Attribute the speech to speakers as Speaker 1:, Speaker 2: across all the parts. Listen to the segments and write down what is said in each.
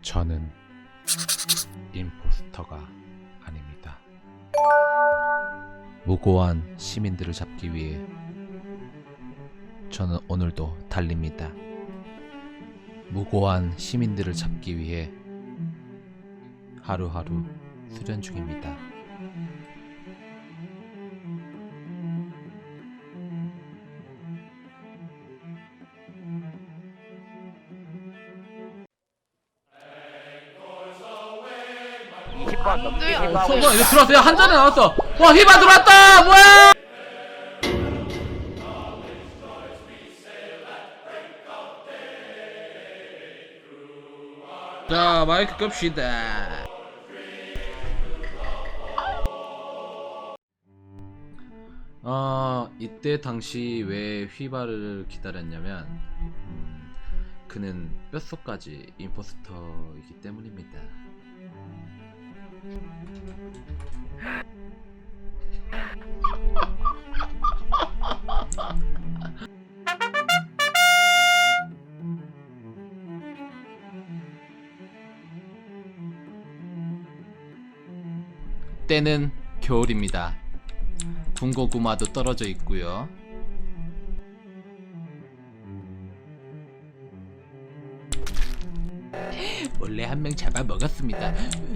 Speaker 1: 저는 임포스터가 아닙니다. 무고한 시민들을 잡기 위해 저는 오늘도 달립니다. 무고한 시민들을 잡기 위해 하루하루 수련 중입니다.
Speaker 2: 소문 이거 들어왔어. 야, 한 잔에 나왔어. 와, 히바 들어왔다. 뭐야? 자, 마이크 끕시다. 이때 당시 왜 휘바를 기다렸냐면 그는 뼛속까지 임포스터이기 때문입니다. 때는 겨울입니다. 군고구마도 떨어져 있고요. 몰래 한 명 잡아 먹었습니다.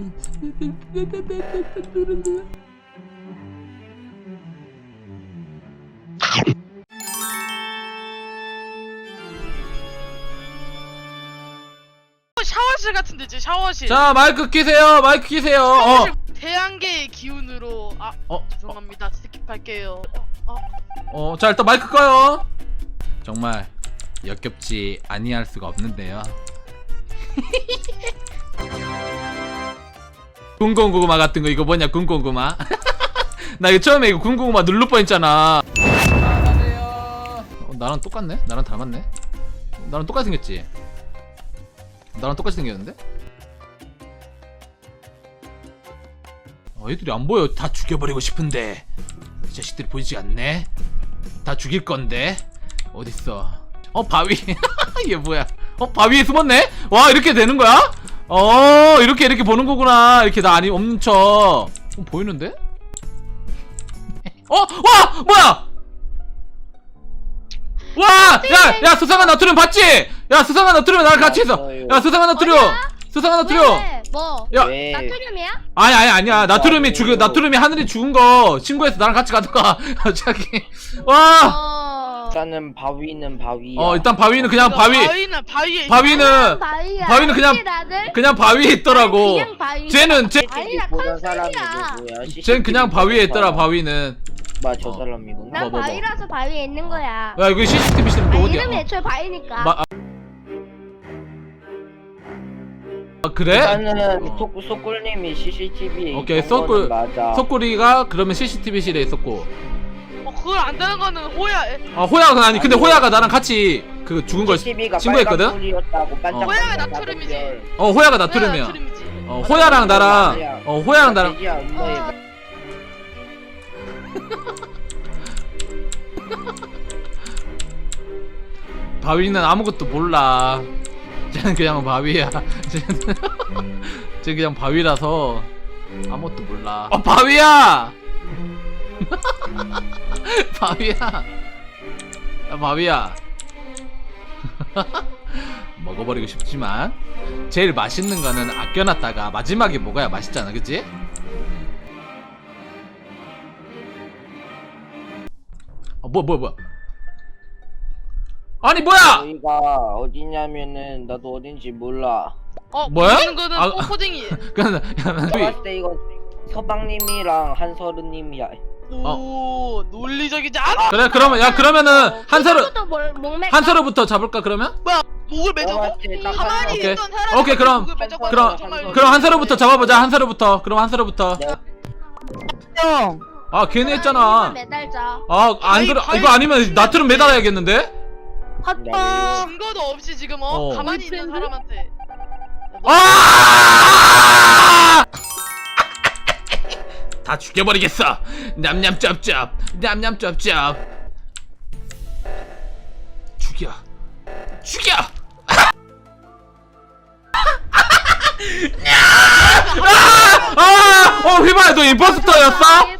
Speaker 3: 샤워실 같은데 지금 샤워실.
Speaker 2: 자, 마이크 끼세요. 마이크 끼세요.
Speaker 3: 샤워실 태양계의 기운으로 죄송합니다. 스킵할게요.
Speaker 2: 자, 일단 마이크 꺼요. 정말 역겹지 아니할 수가 없는데요. 군고구마 같은 거 이거 뭐냐? 군고구마. 나 이거 처음에 이거 군고구마 누를 뻔했잖아. 나랑 똑같네? 나랑 닮았네? 나랑 똑같이 생겼지? 나랑 똑같이 생겼는데? 얘들이 안 보여. 다 죽여버리고 싶은데 이 자식들이 보이지 않네? 다 죽일 건데 어딨어? 바위. 얘 뭐야? 바위에 숨었네? 와, 이렇게 되는 거야? 이렇게 보는 거구나. 이렇게 나 아니 없는 척. 보이는데? 와! 뭐야! 와! 야, 수상한 나트륨 봤지? 야, 수상한 나트륨 나랑 같이 있어. 야, 수상한 나트륨. 수상한 나트륨.
Speaker 4: 왜? 뭐?
Speaker 2: 야,
Speaker 4: 나트륨이야?
Speaker 2: 아니야. 나트륨이 하늘이 죽은 거 신고해서 나랑 같이 가던가. 자기. 와!
Speaker 5: 일단은 바위는 바위야.
Speaker 2: 일단 바위는 그냥 바위는 그냥 바위에 있더라고.
Speaker 4: 그냥 바위.
Speaker 2: 쟤는
Speaker 4: 아니야,
Speaker 5: 보던 사람이
Speaker 4: 컨셉이야.
Speaker 5: 누구야?
Speaker 2: 쟤는 그냥 바위에 있더라. 바위는.
Speaker 5: 저 사람이구나.
Speaker 4: 난 바위라서 바위에 있는 거야.
Speaker 2: 야, 이거 CCTV 시스템 또 어디야?
Speaker 4: 이름이 애초에 바위니까.
Speaker 2: 그래?
Speaker 5: 일단은 소꿀님이 CCTV에
Speaker 2: 오케이,
Speaker 5: 있던 거는 맞아.
Speaker 2: 석구리가 그러면 CCTV실에 있었고.
Speaker 3: 그걸 안 되는 거는 호야.
Speaker 2: 호야가 아니, 근데 호야가 나랑 같이 그 죽은 걸
Speaker 5: CCTV가
Speaker 2: 신고했거든?
Speaker 3: 호야가 나트륨이지.
Speaker 2: 호야가 나트륨이야. 호야랑 나랑 호야랑 나랑 바위는 아무것도 몰라. 쟤는 그냥 바위야. 쟤는 그냥 바위라서 아무것도 몰라. 바위야! 바위야. 야, 바위야. 먹어버리고 싶지만 제일 맛있는 거는 아껴놨다가 마지막에 먹어야 맛있잖아, 그치? 뭐야? 아니, 뭐야!
Speaker 5: 저희가 어디냐면은 나도 어딘지 몰라.
Speaker 2: 뭐야?
Speaker 3: 보이는 거는 뽀뽀딩이.
Speaker 2: 그냥
Speaker 5: 내가 봤을 때 이거 서방님이랑 한서른님이야.
Speaker 3: 오, 논리적이지 않아?
Speaker 2: 그래, 그러면은 한서로부터 잡을까 그러면?
Speaker 3: 목을 매자고? 가만히
Speaker 2: 오케이.
Speaker 3: 있던 사람이
Speaker 2: 오케이, 그럼.
Speaker 3: 목을 매자고
Speaker 2: 그럼 한서로부터 잡아보자. 한서로부터. 그럼 한서로부터.
Speaker 5: 형.
Speaker 2: 괜히 했잖아.
Speaker 4: 매달자.
Speaker 2: 안 그래. 이거 아니면 나트륨 매달아야겠는데?
Speaker 3: 증거도 없이 지금 가만히 있는 사람한테.
Speaker 2: 다 죽여버리겠어. 냠냠짭짭. 냠냠짭짭. 죽여. 휘바야 너 임포스터였어?